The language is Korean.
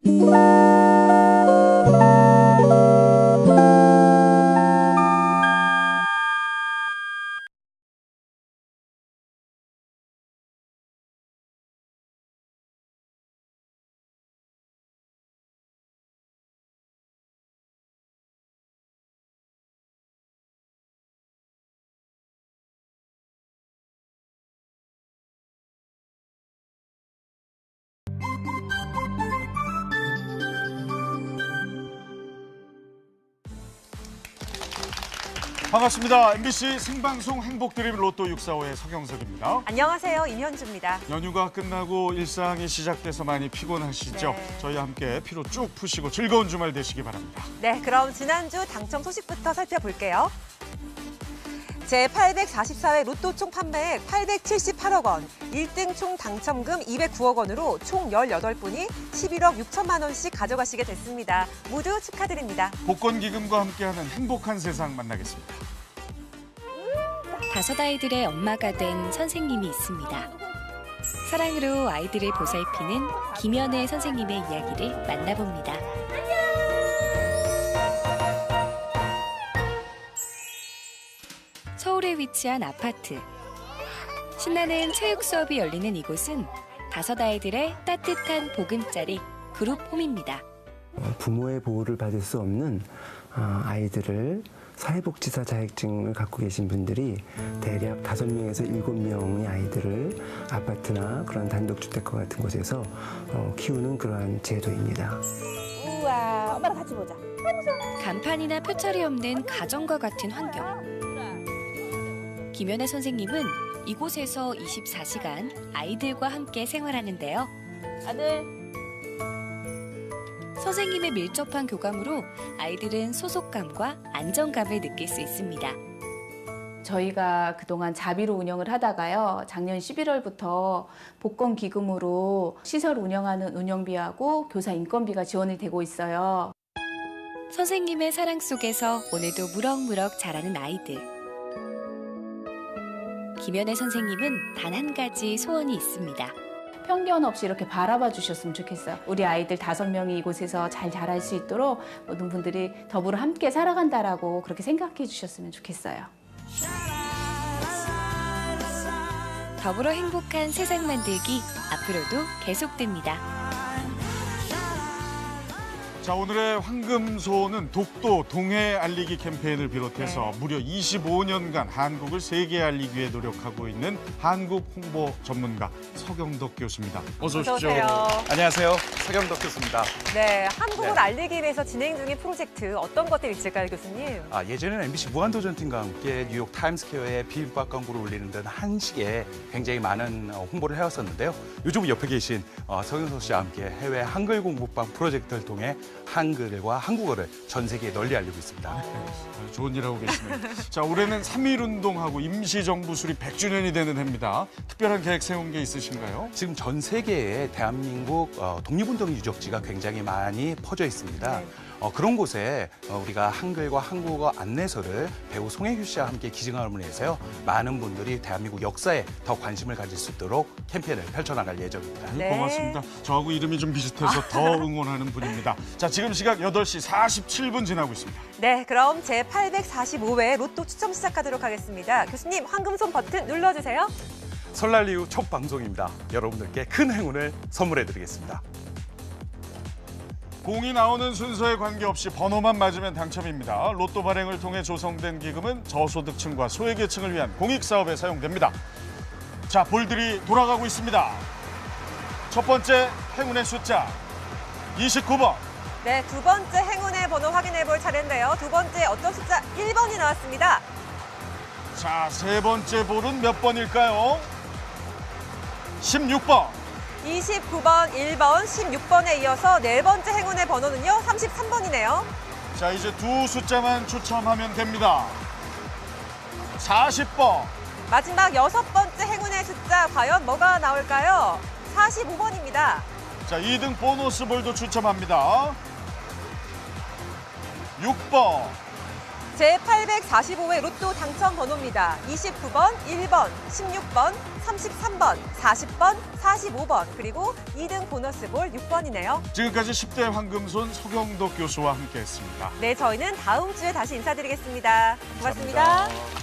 반갑습니다. MBC 생방송 행복드림 로또 645의 서경석입니다. 안녕하세요. 임현주입니다. 연휴가 끝나고 일상이 시작돼서 많이 피곤하시죠? 네. 저희와 함께 피로 쭉 푸시고 즐거운 주말 되시기 바랍니다. 네, 그럼 지난주 당첨 소식부터 살펴볼게요. 제844회 로또 총 판매액 878억 원, 1등 총 당첨금 209억 원으로 총 18분이 11억 6천만 원씩 가져가시게 됐습니다. 모두 축하드립니다. 복권기금과 함께하는 행복한 세상 만나겠습니다. 5 아이들의 엄마가 된 선생님이 있습니다. 사랑으로 아이들을 보살피는 김연애 선생님의 이야기를 만나봅니다. 서울에 위치한 아파트. 신나는 체육 수업이 열리는 이곳은 5 아이들의 따뜻한 보금자리 그룹홈입니다. 부모의 보호를 받을 수 없는 아이들을 사회복지사 자격증을 갖고 계신 분들이 대략 5명에서 7명의 아이들을 아파트나 그런 단독주택과 같은 곳에서 키우는 그러한 제도입니다. 우와, 엄마랑 같이 보자. 간판이나 표철이 없는 가정과 같은 환경. 김연애 선생님은 이곳에서 24시간 아이들과 함께 생활하는데요. 아들. 선생님의 밀접한 교감으로 아이들은 소속감과 안정감을 느낄 수 있습니다. 저희가 그동안 자비로 운영을 하다가요. 작년 11월부터 복권 기금으로 시설 운영하는 운영비하고 교사 인건비가 지원이 되고 있어요. 선생님의 사랑 속에서 오늘도 무럭무럭 자라는 아이들. 김연애 선생님은 단 한 가지 소원이 있습니다. 편견 없이 이렇게 바라봐 주셨으면 좋겠어요. 우리 아이들 5명이 이곳에서 잘 자랄 수 있도록 모든 분들이 더불어 함께 살아간다라고 그렇게 생각해 주셨으면 좋겠어요. 더불어 행복한 세상 만들기 앞으로도 계속됩니다. 자, 오늘의 황금소는 독도 동해 알리기 캠페인을 비롯해서 무려 25년간 한국을 세계에 알리기 위해 노력하고 있는 한국 홍보 전문가 서경덕 교수입니다. 어서 오십시오. 어서 오세요. 안녕하세요. 서경덕 교수입니다. 네, 한국을 네. 알리기 위해서 진행 중인 프로젝트 어떤 것들이 있을까요, 교수님? 예전에는 MBC 무한도전팀과 함께 뉴욕 타임스퀘어에 비빔밥 광고를 올리는 등 한식에 굉장히 많은 홍보를 해왔었는데요. 요즘 옆에 계신 서경석 씨와 함께 해외 한글 공부방 프로젝트를 통해 한글과 한국어를 전 세계에 널리 알리고 있습니다. 좋은 일 하고 계시네요. 자, 올해는 3.1운동하고 임시정부 수립 100주년이 되는 해입니다. 특별한 계획 세운 게 있으신가요? 지금 전 세계에 대한민국 독립운동 유적지가 굉장히 많이 퍼져 있습니다. 네. 그런 곳에 우리가 한글과 한국어 안내서를 배우 송혜교 씨와 함께 기증함으로 해서요. 많은 분들이 대한민국 역사에 더 관심을 가질 수 있도록 캠페인을 펼쳐나갈 예정입니다. 네. 고맙습니다. 저하고 이름이 좀 비슷해서 더 응원하는 분입니다. 자, 지금 시각 8시 47분 지나고 있습니다. 네, 그럼 제845회 로또 추첨 시작하도록 하겠습니다. 교수님, 황금손 버튼 눌러주세요. 설날 이후 첫 방송입니다. 여러분들께 큰 행운을 선물해드리겠습니다. 공이 나오는 순서에 관계없이 번호만 맞으면 당첨입니다. 로또 발행을 통해 조성된 기금은 저소득층과 소외계층을 위한 공익사업에 사용됩니다. 자, 볼들이 돌아가고 있습니다. 첫 번째 행운의 숫자 29번. 네, 두 번째 행운의 번호 확인해 볼 차례인데요. 두 번째 어떤 숫자 1번이 나왔습니다. 자, 세 번째 볼은 몇 번일까요? 16번. 29번, 1번, 16번에 이어서 네 번째 행운의 번호는요, 33번이네요. 자, 이제 두 숫자만 추첨하면 됩니다. 40번. 마지막 여섯 번째 행운의 숫자 과연 뭐가 나올까요? 45번입니다. 자, 2등 보너스 볼도 추첨합니다. 6번. 제845회 로또 당첨 번호입니다. 29번, 1번, 16번, 33번, 40번, 45번, 그리고 2등 보너스 볼 6번이네요. 지금까지 10대 황금손 서경덕 교수와 함께했습니다. 네, 저희는 다음 주에 다시 인사드리겠습니다. 고맙습니다. 감사합니다.